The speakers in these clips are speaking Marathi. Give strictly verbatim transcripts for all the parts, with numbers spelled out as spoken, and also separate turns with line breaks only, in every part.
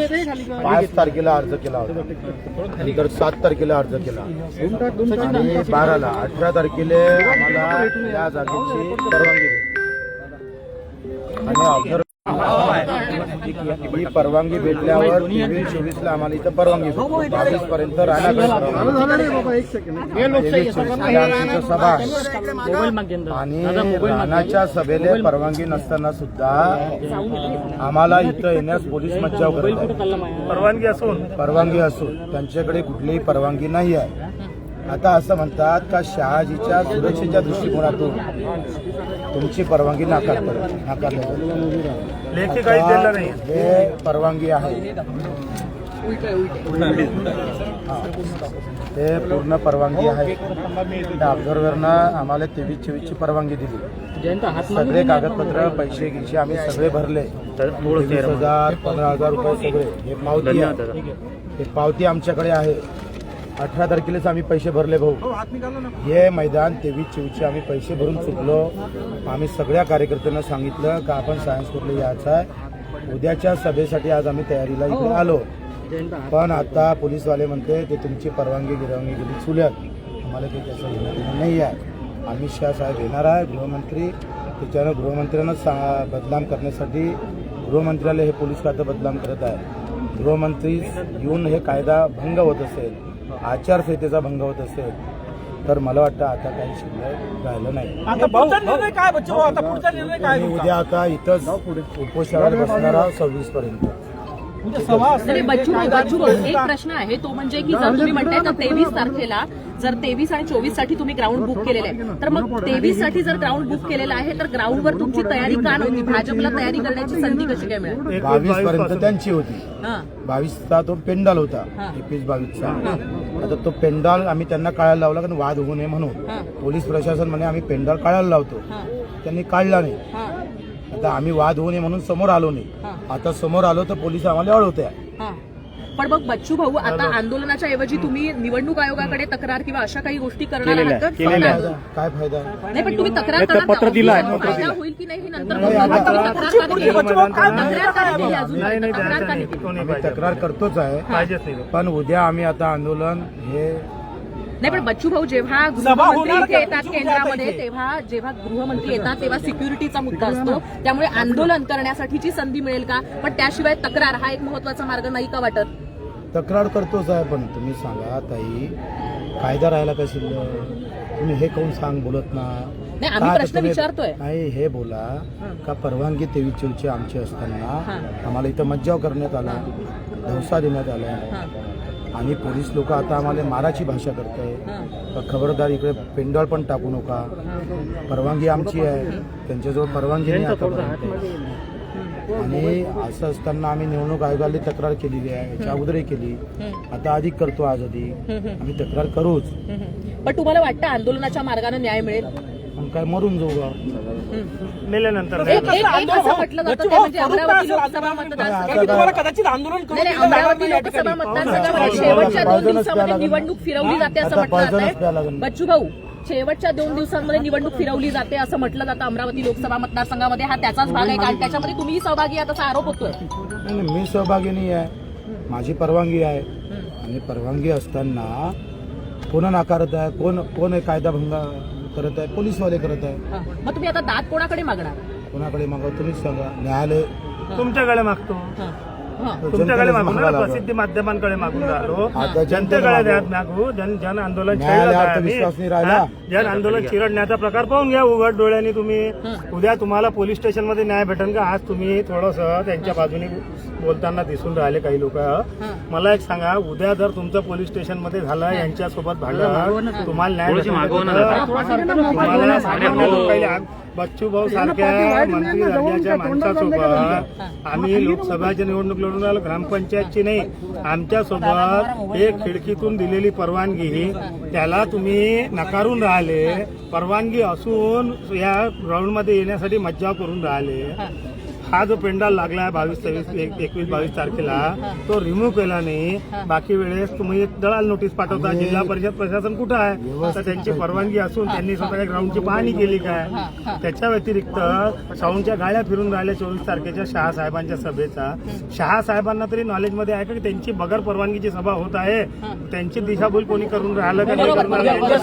पाच तारखेला अर्ज केला होता, नंतर सात तारखेला अर्ज केला आणि बाराला अठरा तारखेला आम्हाला या जागेची परवानगी भेटली आणि ऑब्झर्व ही परवानगी भेटल्यावर तेवीस चोवीस ला आम्हाला इथं परवानगी भेटली. बावीस पर्यंत सभा आणि राणाच्या सभेला परवानगी नसताना सुद्धा आम्हाला इथं येण्यास पोलीस मज्जाव करतात. परवानगी असून परवानगी असून त्यांच्याकडे कुठलीही परवानगी नाही आहे. आता असं म्हणतात का शहाजीच्या सुरक्षेच्या दृष्टिकोनातून तुमची परवानगी नाकारतात नाकारली लेखी काही दिलं नाही. हे परवानगी आहे, ते पूर्ण परवानगी आहे. त्या ऑब्झर्व्हरनं आम्हाला तेवीस चोवीसची परवानगी दिली. सगळे कागदपत्र पैसे गिसे आम्ही सगळे भरले. तेवीस हजार पंधरा हजार रुपये सगळे हे पावती आहे. हे पावती आमच्याकडे आहे. अठरा तारखेलाच आम्ही पैसे भरले भाऊ. हे मैदान तेवीस चोवीसचे आम्ही पैसे भरून चुकलो. आम्ही सगळ्या कार्यकर्त्यांना सांगितलं का आपण सायन्स कोर्टला यायचं आहे. उद्याच्या सभेसाठी आज आम्ही तयारीला इकडे आलो, पण आता पोलीसवाले म्हणते ते तुमची परवानगी गिरवानगी गेली चुल्यात. आम्हाला काही त्याचं घेणं देणं नाही आहे. अमित शहा साहेब येणार आहे गृहमंत्री, त्याच्यानं गृहमंत्र्यांना सा बदनाम करण्यासाठी गृहमंत्र्याला हे पोलीस खातं बदनाम करत आहे. गृहमंत्री येऊन हे कायदा भंग होत असेल, आचारसंहितेचा भंग होत असेल तर मला वाटतं आता काही शिल्लक राहिलं नाही. उद्या आता इथंच उपोषणावर बसणार आहोत सव्वीस पर्यंत.
बच्चू बच्चू एक प्रश्न आहे तो म्हणजे की जर तुम्ही म्हणताय तर तेवीस तारखेला जर तेवीस आणि चोवीस साठी तुम्ही ग्राउंड बुक केलेलं आहे, तर मग तेवीस साठी जर ग्राउंड बुक केलेलं आहे तर ग्राउंडवर तुमची तयारी का नव्हती? भाजपला तयारी करण्याची संधी कशी काय मिळाली?
बावीस पर्यंत त्यांची होती. बावीसचा तो पेंडाल होता, एकवीस बावीसचा. आता तो पेंडाल आम्ही त्यांना काढायला लावला कारण वाद होऊ नये म्हणून. पोलीस प्रशासन म्हणे आम्ही पेंडाल काढायला लावतो, त्यांनी काढला नाही. आता आम्ही वाद होऊ नये म्हणून समोर आलो नाही. आता समोर आलो तर पोलीस आम्हाला अडवते.
पण मग बच्चू भाऊ आता आंदोलनाच्या ऐवजी तुम्ही निवडणूक आयोगाकडे तक्रार किंवा अशा काही गोष्टी करणार आहात का?
काय फायदा
नाही, पण तुम्ही तक्रार पत्र दिला फायदा होईल की नाही नंतर
तक्रार करतोच आहे. पण उद्या आम्ही आता आंदोलन हे
नाही, पण बच्चू भाऊ जेव्हा गृहमंत्री इथे येतात केंद्रामध्ये तेव्हा जेव्हा गृहमंत्री येतात तेव्हा सिक्युरिटीचा मुद्दा असतो, त्यामुळे आंदोलन करण्यासाठीची संधी मिळेल का? पण त्याशिवाय तक्रार हा एक महत्वाचा मार्ग नाही का वाटत?
तक्रार करतोच आहे, पण तुम्ही सांगा ताई कायदा राहायला काय शिल्लक? तुम्ही हे कोण सांग बोलत ना?
नाही, आम्ही प्रश्न विचारतोय.
नाही, हे बोला का परवानगी तेवीस चोवीसची आमची असताना आम्हाला इथं मज्जाव करण्यात आला, धवसा देण्यात आला आणि पोलीस लोक आता आम्हाला माराची भाषा करताय. खबरदार इकडे पेंडॉल पण टाकू नका. परवानगी आमची आहे, त्यांच्याजवळ परवानगी नाही आतापर्यंत. आणि असं असताना आम्ही निवडणूक आयोगाला तक्रार केलेली आहे, याच्या अगोदरही केली, आता अधिक करतो. आज अधिक आम्ही तक्रार करूच.
पण तुम्हाला वाटतं आंदोलनाच्या मार्गाने न्याय मिळेल?
पण काय मरून जाऊ
मेल्यानंतर
म्हटलं जातं ते म्हणजे अमरावती लोकसभा मतदारसंघात
कदाचित आंदोलन
अमरावती लोकसभा मतदारसंघामध्ये शेवटच्या दोन दिवसांमध्ये निवडणूक फिरवली जाते असं म्हटलं जातंय. बच्चू भाऊ, शेवटच्या दोन दिवसांमध्ये निवडणूक फिरवली जाते असं म्हटलं जातं अमरावती लोकसभा मतदारसंघामध्ये. हा त्याचाच भाग आहे कारण त्याच्यामध्ये तुम्ही सहभागी आहात असा आरोप होतोय.
मी सहभागी नाही आहे, माझी परवानगी आहे. आणि परवानगी असताना कोण नाकारत आहे? कोण कोण कायदा भंग करत आहे? पोलीसवाले करत आहे.
मग तुम्ही आता दाद कोणाकडे मागणार?
कोणाकडे मागव तुम्हीच सांगा. न्यायालय
तुमच्याकडे मागतो, तुमच्याकडे मागून प्रसिद्धी माध्यमांकडे मागून राहिलो, जनतेकडे मागू. जन जन आंदोलन जन आंदोलन चिरडण्याचा प्रकार पाहून घ्या उघड डोळ्यांनी तुम्ही. उद्या तुम्हाला पोलीस स्टेशनमध्ये न्याय भेटेल का? आज तुम्ही थोडस त्यांच्या बाजूने बोलताना दिसून राहिले काही लोक. मला एक सांगा, उद्या जर तुमचं पोलीस स्टेशन मध्ये झालं यांच्यासोबत भांडण, तुम्हाला न्याय तुम्हाला बच्चू भाऊ सारख्या मंत्री राज्याच्या माणसासोबत आम्ही लोकसभेची निवडणूक लढून राहिलो, ग्रामपंचायतची नाही. आमच्यासोबत एक खिडकीतून दिलेली परवानगी त्याला तुम्ही नकारून राहिले. परवानगी असून या ग्राउंडमध्ये येण्यासाठी मज्जाव करून राहिले. हा जो पेंडाल लागलाय बावीस तेवीस एकवीस बावीस तारखेला तो रिमूव्ह केला नाही. बाकी वेळेस तुम्ही दलाल नोटीस पाठवता. जिल्हा परिषद प्रशासन कुठं आहे? तर त्यांची परवानगी असून त्यांनी स्वतःच्या ग्राउंडची पाहणी केली काय? त्याच्या व्यतिरिक्त साऊंडच्या गाड्या फिरून राहिल्या चोवीस तारखेच्या शहा साहेबांच्या सभेचा. शहा साहेबांना तरी नॉलेजमध्ये आहे का की त्यांची बगर परवानगीची सभा होत आहे? त्यांची दिशाभूल कोणी करून राहिलं का नाही करणार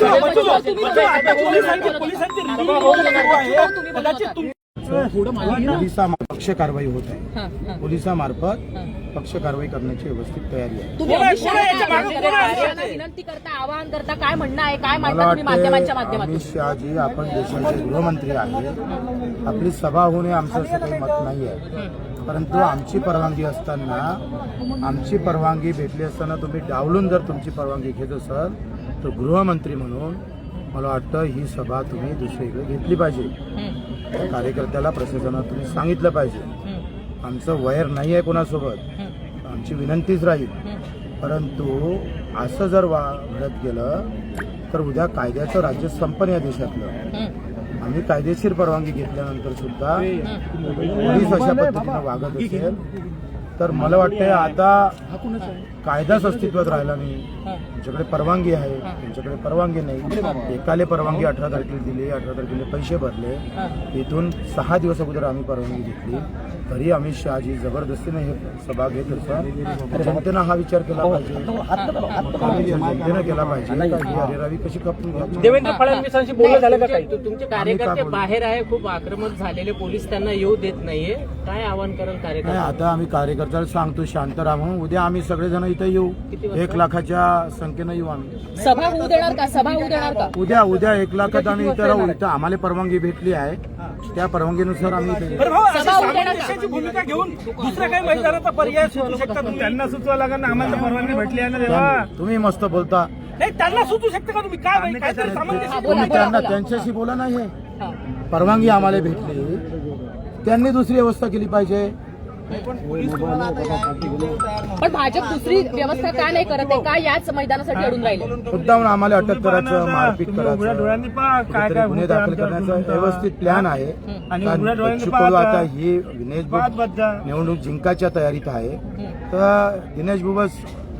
पोलिसा पक्ष कारवाई होत आहे. पोलिसामार्फत पक्ष कारवाई करण्याची व्यवस्थित तयारी आहे.
तुम्ही अमित शहाना विनंती करता, आवाहन करता, काय म्हणणं आहे, काय मांडता तुम्ही माध्यमांच्या माध्यमातून?
अमित शहाजी आपण देशाचे गृहमंत्री आहे. आपली सभा होणे आमचं असं काही मत नाही आहे. परंतु आमची परवानगी असताना आमची परवानगी भेटली असताना तुम्ही डावलून जर तुमची परवानगी घेत असाल तर गृहमंत्री म्हणून मला वाटतं ही सभा तुम्ही दुसरीकडे घेतली पाहिजे. कार्यकर्त्याला प्रशासनात तुम्ही सांगितलं पाहिजे. आमचं वैर नाही आहे कोणासोबत, आमची विनंतीच राहील. परंतु असं जर वा घडत गेलं तर उद्या कायद्याचं राज्य संपन्न या देशातलं. आम्ही कायदेशीर परवानगी घेतल्यानंतर सुद्धा पोलीस अशा पद्धतीनं वागत असेल तर मला वाटतं आता कायदाच अस्तित्वात राहिला नाही. त्यांच्याकडे परवानगी आहे, त्यांच्याकडे परवानगी नाही. एकाले परवानगी अठरा तारखेला दिली, अठरा तारखेला पैसे भरले. इथून सहा दिवस अगोदर आम्ही परवानगी घेतली तरी अमित शहाजी जबरदस्तीने हे सभा घेत असतात. जनतेनं हा विचार केला पाहिजे, जनतेनं केला पाहिजे ही अरेरावी कशी खपून घ्यायची.
देवेंद्र फडणवीसांशी बोलणं झालं का काही? तुमचे कार्यकर्ते बाहेर आहे, खूप आक्रमक झालेले, पोलीस त्यांना येऊ देत नाहीये. काय आवाहन करेल कार्यकर्ते?
आता आम्ही कार्यकर्त्याला सांगतो शांत राहा म्हणून. उद्या आम्ही सगळेजण इथे येऊ, एक लाखाच्या संख्येनं येऊ आम्ही.
सभा होऊ देणार का? सभा होऊ देणार का?
उद्या उद्या एक लाखात आम्ही इथे राहू. इथं आम्हाला परवानगी भेटली आहे, त्या परवानगीनुसार आम्ही इथे येऊ.
सभा होऊ देणार का?
भूमिका घेऊन दुसऱ्या काही मैदानाचा पर्याय सुचू शकता तुम्ही? त्यांना सुचवा लागेल ना, आम्हाला परवानगी भेटली आहे ना तेव्हा.
तुम्ही मस्त बोलता.
नाही, त्यांना सुचू शकता का तुम्ही? काय काय तरी सामंजस्य
तुम्ही त्यांना त्यांच्याशी बोला नाही. परवानगी आम्हाला भेटली, त्यांनी दुसरी व्यवस्था केली पाहिजे.
पण भाजप दुसरी व्यवस्था का नाही करत आहे? का याच मैदानासाठी अडून राहिले?
मुद्दामून आम्हाला अटक करायचं, मारपीट करायचं,
डोळ्यांनी पहा काय
कुठेतरी
काय
गुन्हे दाखल करण्याचा व्यवस्थित प्लॅन आहे.
आणि
कारण
उघड्या डोळ्यांनी
बच्चू
पाहत
कडू आता
जा.
ही दिनेश
पाहत
बुब
बस जा.
निवडणूक जिंकायच्या तयारीत आहे. तर दिनेश बुबस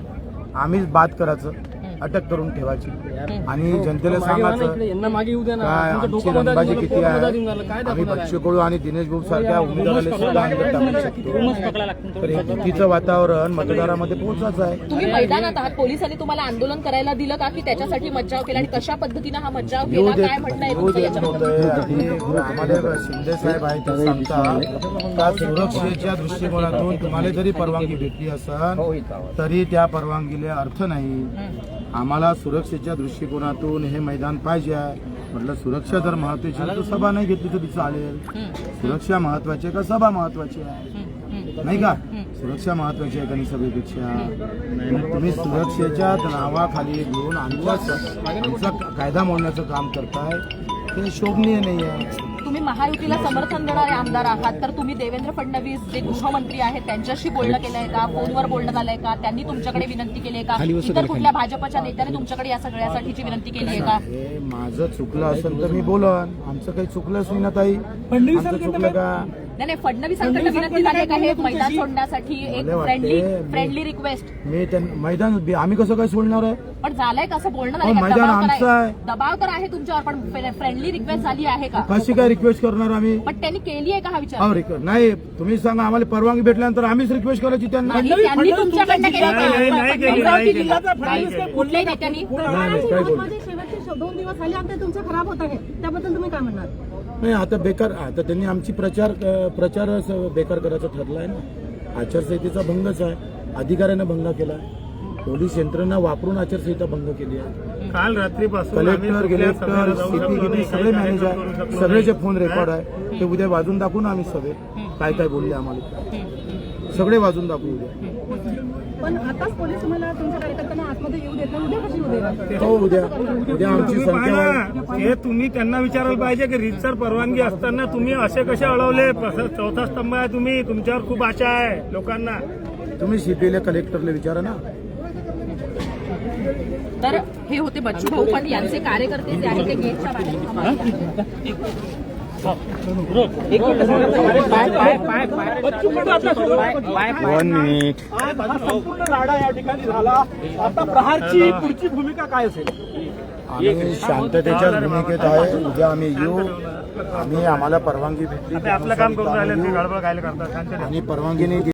आम्हीच बाद करायचं, अटक करून ठेवायची आणि जनतेला सांगायचं
यांना मागे येऊ द्या ना.
काय आमची रंगबाजी किती आहे. आम्ही बच्चू कडू आणि दिनेश बुब सारख्या उमेदवाराला सुद्धा अंदर टाकू शकतो. तर हे भीतीचं वातावरण मतदारामध्ये पोहोचायचं आहे.
तुम्ही मैदानात आहात, पोलिसांनी तुम्हाला आंदोलन करायला दिलं का की त्याच्यासाठी मज्जाव केला आणि कशा पद्धतीनं हा मज्जाव
येऊ
केला?
देत
काय म्हणणं आहे
येऊ
तुमचं
देत
याच्याबद्दल?
नव्हतं. आधी आम्हाला शिंदे साहेब आहेत ते सांगतात का सुरक्षेच्या दृष्टिकोनातून तुम्हाला जरी परवानगी भेटली असेल तरी त्या परवानगीला अर्थ नाही. आम्हाला सुरक्षेच्या दृष्टिकोनातून हे मैदान पाहिजे आहे. म्हटलं सुरक्षा जर महत्वाची आहे तर सभा नाही घेतली तरी चालेल. सुरक्षा महत्वाची आहे का सभा महत्वाची आहे? नाही का? सुरक्षा महत्वाची आहे का नाही सभेपेक्षा? तुम्ही सुरक्षेच्या नावाखाली घेऊन आमच्या आमचा कायदा मोडण्याचं काम करताय, ते शोभनीय नाही आहे.
तुम्ही महायुतीला समर्थन देणारे आमदार आहात, तर तुम्ही देवेंद्र फडणवीस जे गृहमंत्री आहेत त्यांच्याशी बोलणं केलंय का? फोनवर बोलणं झालंय का? त्यांनी तुमच्याकडे विनंती केली आहे का? इतर कुठल्या भाजपच्या नेत्याने तुमच्याकडे या सगळ्यासाठीची विनंती केली आहे का?
हे माझं चुकलं असेल तर मी बोलन. आमचं काही चुकलंच नाही ना ताई. आमचं चुकलं का?
नाही नाही, फडणवीसांकडे विनंती झाली आहे का हे मैदान सोडण्यासाठी? एक
मला वाटते
फ्रेंडली
मी-
फ्रेंडली रिक्वेस्ट.
मी त्यां मैदान आम्ही कसं काय सोडणार आहे?
पण झालंय का? असं बोलणं
हो,
झालं का?
मैदान
दबाव तर
आमचं
आहे.
आहे.
दबाव तर आहे तुमच्यावर, पण फ्रेंडली रिक्वेस्ट झाली आहे का?
कशी काय रिक्वेस्ट करणार आम्ही?
पण त्यांनी केली आहे का हा विचार?
अहो, रिक्वेस्ट नाही. तुम्ही सांगा आम्हाला परवानगी भेटल्यानंतर आम्हीच रिक्वेस्ट करायची त्यांना.
नाही, त्यांनी तुमच्याकडनं केली
नाही, नाही, नाही
का?
केली, नाही
अमरावती
केली.
जिल्ह्यात
नाही केली.
कुठल्याही नेत्यांनी?
नाही, नाही, काय बोलू?
शेवटचे दोन दिवस झाले आमचे तुमचे खराब होत आहे, त्याबद्दल तुम्ही काय म्हणणार?
नाही, आता बेकार आता त्यांनी आमची प्रचार प्रचार बेकार करायचं ठरलं आहे ना. आचारसंहितेचा भंगच आहे. अधिकाऱ्यानं भंग केला. पोलीस यंत्रणा वापरून आचारसंहिता भंग केली आहे.
काल रात्रीपासून
कलेक्टर गेलेक्टर सीपी गिपी सगळे मॅनेजर सगळेचे फोन रेकॉर्ड आहे. ते उद्या वाजून दाखवू ना आम्ही सगळे काय काय बोलले आम्हाला. सगळे वाजून दाखवू उद्या.
पण आताच पोलीस तुम्हाला तुमच्या कार्यकर्त्यांना आतमध्ये येऊ देत नाही, उद्या कशी येऊ देणार?
हो, उद्या उद्या आमची
तुम्ही
संख्या
पाहा ना, हे तुम्ही त्यांना विचारायला पाहिजे की रीतसर परवानगी असताना तुम्ही असे कसे अडवले? चौथा स्तंभ आहे तुम्ही, तुमच्यावर खूप आशा आहे लोकांना.
तुम्ही सीपीला कलेक्टरला विचारा ना.
तर हे होते बच्चू भाऊ, पण यांचे कार्यकर्ते जे आहेत ते गेटच्या बाहेर थांबले आहेत.
One minute.
संपूर्ण राडा या ठिकाणी झाला. आता प्रहारची पुढची भूमिका काय असेल?
आम्ही शांततेच्याच भूमिकेत आहे. उद्या आम्ही येऊ. आम्ही आम्हाला परवानगी भेटली
आपलं काम करून राहिले ते गडबड काय करतात
आणि परवानगी नाही